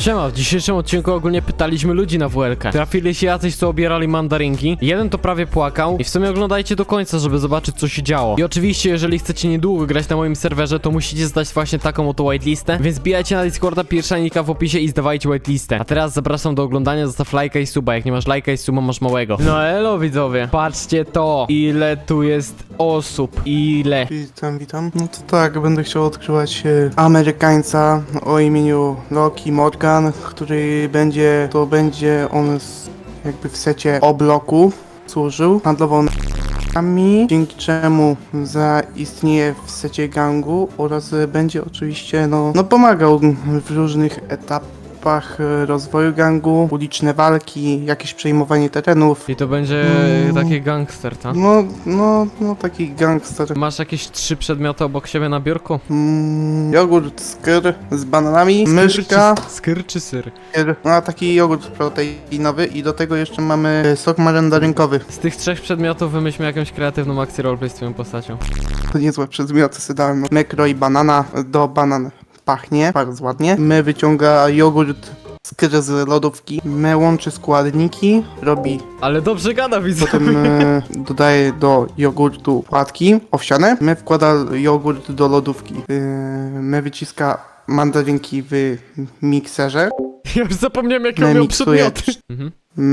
Siema, w dzisiejszym odcinku ogólnie pytaliśmy ludzi na WLK. Trafili się jacyś, co obierali mandarynki. Jeden to prawie płakał i w sumie oglądajcie do końca, żeby zobaczyć, co się działo. I oczywiście, jeżeli chcecie niedługo grać na moim serwerze, to musicie zdać właśnie taką oto whitelistę, więc bijajcie na Discorda, pierwsza linka w opisie i zdawajcie whitelistę. A teraz zapraszam do oglądania, zostaw lajka i suba. Jak nie masz lajka i suba, masz małego. No elo widzowie, patrzcie to, ile tu jest osób, ile. Witam. No to tak, będę chciał odkrywać Amerykańca o imieniu Loki Morgan, który będzie on jakby w secie O-bloku służył, handlował narkotykami, dzięki czemu zaistnieje w secie gangu oraz będzie oczywiście no pomagał w różnych etapach rozwoju gangu, uliczne walki, jakieś przejmowanie terenów. I to będzie taki gangster, tak? No, taki gangster. Masz jakieś 3 przedmioty obok siebie na biurku? Jogurt skyr z bananami, myszka, Skyr czy syr? no taki jogurt proteinowy i do tego jeszcze mamy sok mandarynkowy. Z tych 3 przedmiotów wymyślmy jakąś kreatywną akcję roleplay z twoją postacią. To niezłe przedmioty sobie dałem. My kroi banana, do banan pachnie bardzo ładnie. My wyciąga jogurt skyr z lodówki, my łączy składniki, robi, Ale dobrze gada, widzę. potem dodaje do jogurtu płatki owsiane, my wkłada jogurt do lodówki, my wyciska mandarynki w mikserze. Ja już zapomniałem, jakie My on miał miksuje przedmioty. Mhm.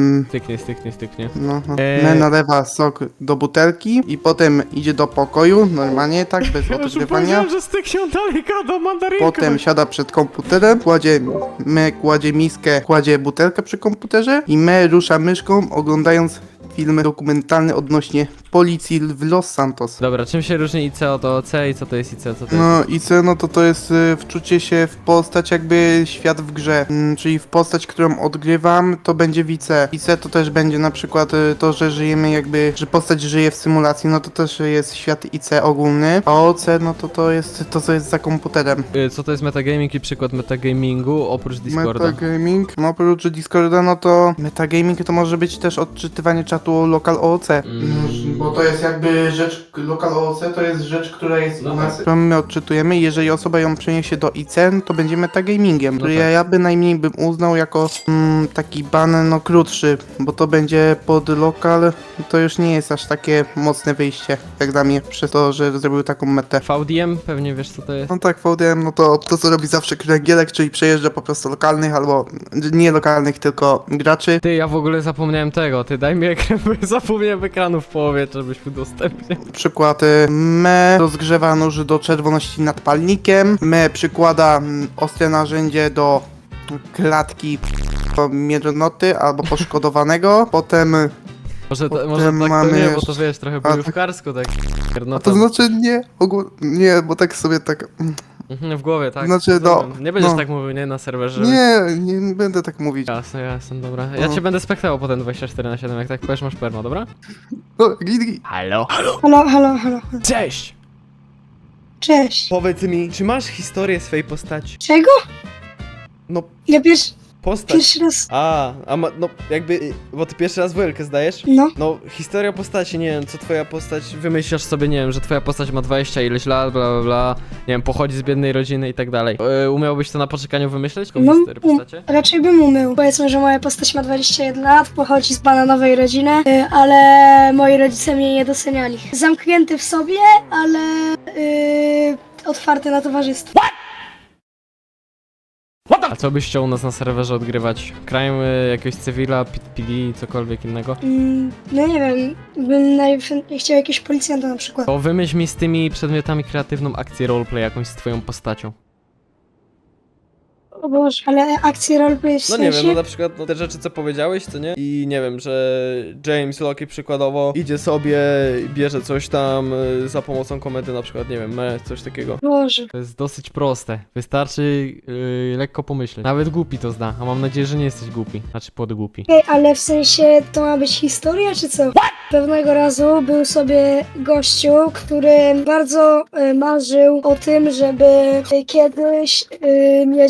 Styknie. No. My nalewa sok do butelki i potem idzie do pokoju, normalnie, tak, bez Ja już odgrywania. powiedziałem, że styknie, on dalej gada, mandarynka. Potem siada przed komputerem, kładzie miskę, kładzie butelkę przy komputerze i my rusza myszką, oglądając film dokumentalny odnośnie policji w Los Santos. Dobra, czym się różni IC od OC i co to jest IC, co to jest? No i co, no to jest wczucie się w postać jakby świat w grze, czyli w postać, którą odgrywam, to będzie wice. IC to też będzie na przykład to, że żyjemy jakby, że postać żyje w symulacji, no to też jest świat IC ogólny, a OC no to jest to, co jest za komputerem. Co to jest metagaming i przykład metagamingu oprócz Discorda? Metagaming, no oprócz Discorda, no to metagaming to może być też odczytywanie czatu local OOC. Bo to jest jakby rzecz, local OOC to jest rzecz, która jest No u nas, którą my odczytujemy i jeżeli osoba ją przeniesie do IC, to będzie metagamingiem, który tak. ja bynajmniej bym uznał jako taki ban no krótszy, bo to będzie pod lokal, to już nie jest aż takie mocne wyjście, jak dla mnie, przez to, że zrobił taką metę. VDM, pewnie wiesz co to jest. No tak, VDM, no to co robi zawsze kręgielek, czyli przejeżdża po prostu lokalnych albo nie lokalnych, tylko graczy. Ty, ja w ogóle zapomniałem tego, ty daj mi ekran, bo ja zapomniałem ekranu w połowie, żebyś udostępnił. Przykład, me rozgrzewa nóż do czerwoności nad palnikiem, me przykłada ostre narzędzie do klatki miernoty albo poszkodowanego, Może Potem tak mamy to nie, bo to jeszcze- wiesz, trochę bojówkarsko tak. No to znaczy nie, bo tak sobie tak, w głowie, tak. Znaczy, Rozumiem. Nie będziesz no. tak mówił, nie, na serwerze. nie będę tak mówić. Jasne, dobra. Ja No. cię będę spektało potem 24/7, jak tak powiesz, masz perma, dobra? No, git. Halo? Halo. Cześć! Cześć. Powiedz mi, czy masz historię swojej postaci? Czego? No, Ja postać. pierwszy raz. No jakby, bo ty pierwszy raz WLK zdajesz? No. No, historia postaci, nie wiem, co twoja postać, wymyślasz sobie, nie wiem, że twoja postać ma 20 ileś lat, bla, nie wiem, pochodzi z biednej rodziny i tak dalej. Umiałbyś to na poczekaniu wymyśleć? Taką historię postaci? Raczej bym umiał. Powiedzmy, że moja postać ma 21 lat, pochodzi z bananowej rodziny, ale moi rodzice mnie nie doceniali. Zamknięty w sobie, ale otwarty na towarzystwo. A co byś chciał u nas na serwerze odgrywać? Crime, jakiegoś cywila, PD, cokolwiek innego? No nie wiem, bym najchętniej chciał jakiegoś policjanta na przykład. To wymyśl mi z tymi przedmiotami kreatywną akcję roleplay jakąś z twoją postacią. O Boże, ale akcje roleplay w No nie sensie? wiem, no na przykład no, te rzeczy co powiedziałeś, co nie? I nie wiem, że James Loki przykładowo idzie sobie, bierze coś tam za pomocą komendy, na przykład, nie wiem, coś takiego. Boże. To jest dosyć proste, wystarczy lekko pomyśleć. Nawet głupi to zna, a mam nadzieję, że nie jesteś głupi, znaczy podgłupi. Okej, ale w sensie to ma być historia, czy co? Pewnego razu był sobie gościu, który bardzo marzył o tym, żeby kiedyś mieć dobre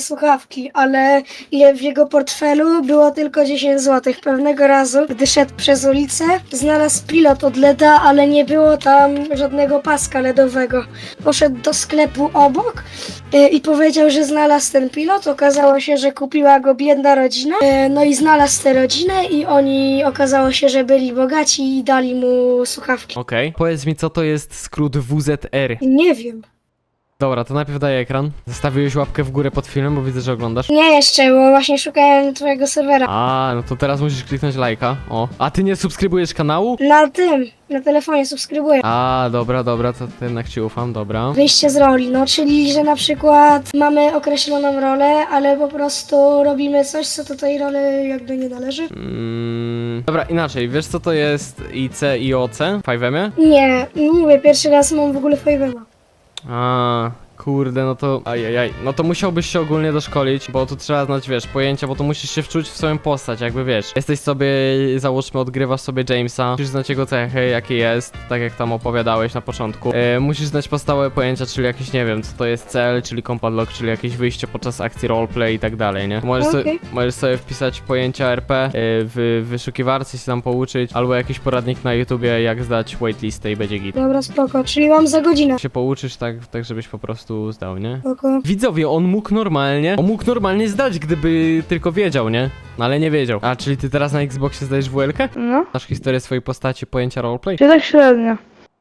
słuchawki, ale w jego portfelu było tylko 10 zł. Pewnego razu, gdy szedł przez ulicę, znalazł pilot od LEDa, ale nie było tam żadnego paska LEDowego. Poszedł do sklepu obok i powiedział, że znalazł ten pilot. Okazało się, że kupiła go biedna rodzina. No i znalazł tę rodzinę i oni okazało się, że byli bogaci i dali mu słuchawki. Okej. Powiedz mi, co to jest skrót WZR? Nie wiem. Dobra, to najpierw daj ekran. Zostawiłeś łapkę w górę pod filmem, bo widzę, że oglądasz. Nie jeszcze, bo właśnie szukałem twojego serwera. A, no to teraz musisz kliknąć lajka. O. A ty nie subskrybujesz kanału? Na telefonie subskrybuję. A, dobra, to jednak ci ufam, dobra. Wyjście z roli, no czyli, że na przykład mamy określoną rolę, ale po prostu robimy coś, co do tej roli jakby nie należy. Dobra, inaczej, wiesz co to jest IC i OC w 5M? Nie, mówię, pierwszy raz mam w ogóle Fajwema. A, kurde, no to... Ajajaj. No to musiałbyś się ogólnie doszkolić, bo tu trzeba znać, wiesz, pojęcia, bo tu musisz się wczuć w swoją postać, jakby wiesz. Jesteś sobie, załóżmy, odgrywasz sobie Jamesa, musisz znać jego cechy, jakie jest, tak jak tam opowiadałeś na początku. Musisz znać podstawowe pojęcia, czyli jakieś, nie wiem, co to jest cel, czyli combat lock, czyli jakieś wyjście podczas akcji roleplay i tak dalej, nie? Możesz sobie wpisać pojęcia RP w wyszukiwarce, się tam pouczyć, albo jakiś poradnik na YouTubie, jak zdać waitlistę i będzie git. Dobra, spoko, czyli mam za godzinę. Się pouczysz tak żebyś po prostu zdał, nie? Spoko. Widzowie, on mógł normalnie zdać, gdyby tylko wiedział, nie? No ale nie wiedział. A, czyli ty teraz na Xboxie zdajesz WL-kę? No, Znasz historię swojej postaci, pojęcia roleplay? czy tak średnio.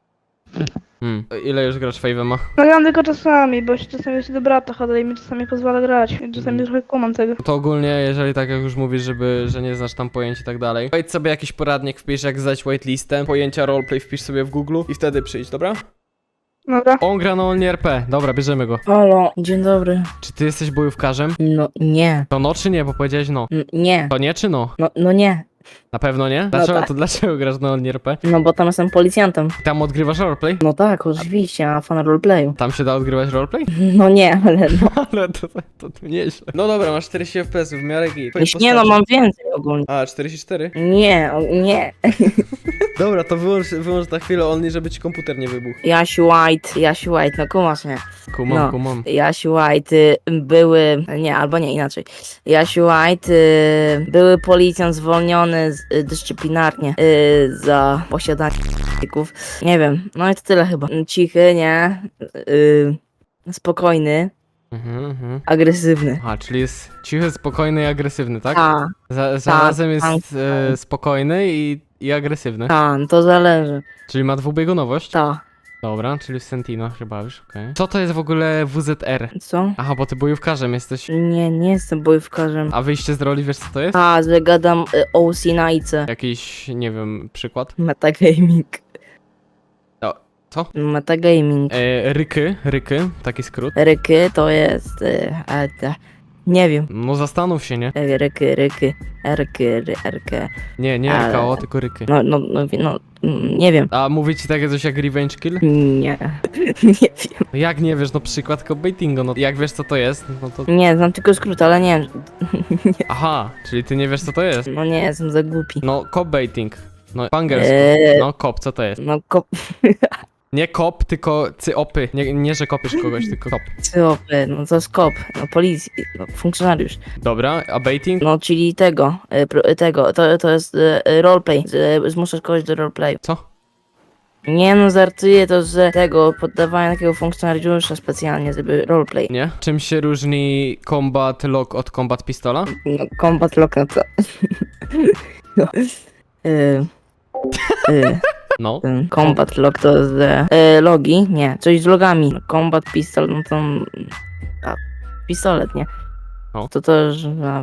Ile już grasz Fave'ema? No gram tylko czasami, bo się czasami do brata chodzę i mi czasami pozwala grać. I czasami trochę kumam tego. To ogólnie, jeżeli tak jak już mówisz, że nie znasz tam pojęć i tak dalej, wejdź sobie jakiś poradnik, wpisz jak zdać waitlistę, pojęcia roleplay wpisz sobie w Google i wtedy przyjdź, dobra? Dobra. On gra na Only RP. Dobra, bierzemy go. Halo, dzień dobry. Czy ty jesteś bojówkarzem? No nie. To no czy nie? Bo powiedziałeś no. Nie. To nie czy no? No nie. Na pewno nie? Dlaczego, tak. to dlaczego grasz na Only RP? No bo tam jestem policjantem. Tam odgrywasz roleplay? No tak, oczywiście, a fan roleplayu. Tam się da odgrywać roleplay? No nie, ale no. Ale to nieźle. No dobra, masz 40 FPS w miarę git. Nie no, mam więcej ogólnie. A, 44? Nie, nie. Dobra, to wyłącz na chwilę Only, żeby ci komputer nie wybuchł. Jasiu White, no kumasz mnie. Kumam, No. kumam. Jasiu White były, nie, albo nie, inaczej. Jasiu White były policjant zwolniony dyscyplinarnie za posiadanie narkotyków. Nie wiem, no i to tyle chyba. Cichy, nie? Spokojny, agresywny. A, czyli jest cichy, spokojny i agresywny, tak? A, Zarazem jest tak. spokojny i agresywny. no to zależy. Czyli ma dwubiegunowość? Ta. Dobra, czyli Sentino chyba już, okej. Co to jest w ogóle WZR? Co? Aha, bo ty bojówkarzem jesteś. Nie jestem bojówkarzem. A wyjście z roli, wiesz co to jest? A, że gadam OC na IC. Jakiś, nie wiem, przykład? Metagaming. Co? Metagaming. Ryky, taki skrót. Ryky to jest... nie wiem. No zastanów się, nie? Ryky. Nie Ale- RKO, tylko ryky. Nie wiem. A mówi ci takie coś jak revenge kill? Nie. Nie wiem. No jak nie wiesz, no przykład copbaitingu, no jak wiesz co to jest, no to... Nie, znam tylko skrót, ale nie wiem. Aha, czyli ty nie wiesz co to jest. No nie, jestem za głupi. No copbaiting. No po angielsku. No cop, co to jest? No Nie kop, tylko cyopy. Nie, że kopiesz kogoś, tylko kop. kopy, no to jest kop. No policji, no funkcjonariusz. Dobra, a baiting? No czyli tego, to jest roleplay. Zmuszasz kogoś do roleplayu. Co? Nie no, żartuję to, że tego poddawania takiego funkcjonariusza specjalnie, żeby roleplay. Nie? Czym się różni combat lock od combat pistola? No, combat lock, no to... no. No. Ten combat lock to jest logi, nie, coś z logami. Combat pistol, no to... pistolet, nie? No. To też...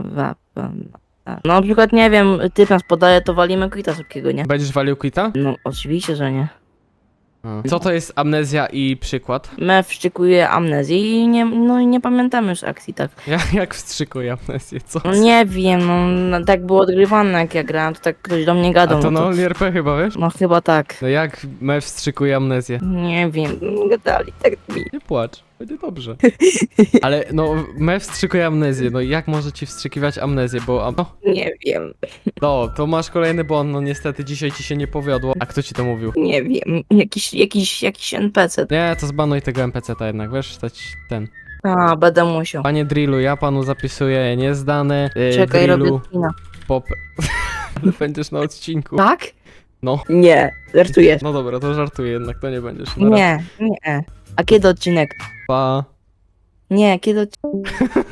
No na przykład, nie wiem, typ nas podaje, to walimy quita szybkiego, nie? Będziesz walił quita? No oczywiście, że nie. Co to jest amnezja i przykład? Me wszczykuje amnezję i nie pamiętamy już akcji, tak. Jak wstrzykuje amnezję? Co? No nie wiem, no tak było odgrywane jak ja grałem, to tak ktoś do mnie A gadał. to no na Only RP chyba, wiesz? No chyba tak. No jak me wstrzykuje amnezję? Nie wiem, gadali tak mi. Nie płacz, będzie dobrze. Ale no, me wstrzykuje amnezję, no jak może ci wstrzykiwać amnezję, bo... No, Nie wiem, to masz kolejny błąd, no niestety dzisiaj ci się nie powiodło. A kto ci to mówił? nie wiem. Jakiś NPC. Nie, to zbanuj tego NPC-ta jednak, wiesz, stać ten... A, będę musiał. Panie Drillu, ja panu zapisuję niezdane. Czekaj, Drillu, robię kina. pop... Ale będziesz na odcinku. Tak? No. Nie, żartujesz. No dobra, to żartuję jednak, to nie będziesz. Na Nie, nie. A kiedy odcinek? Pa. Nie, kiedy odcinek?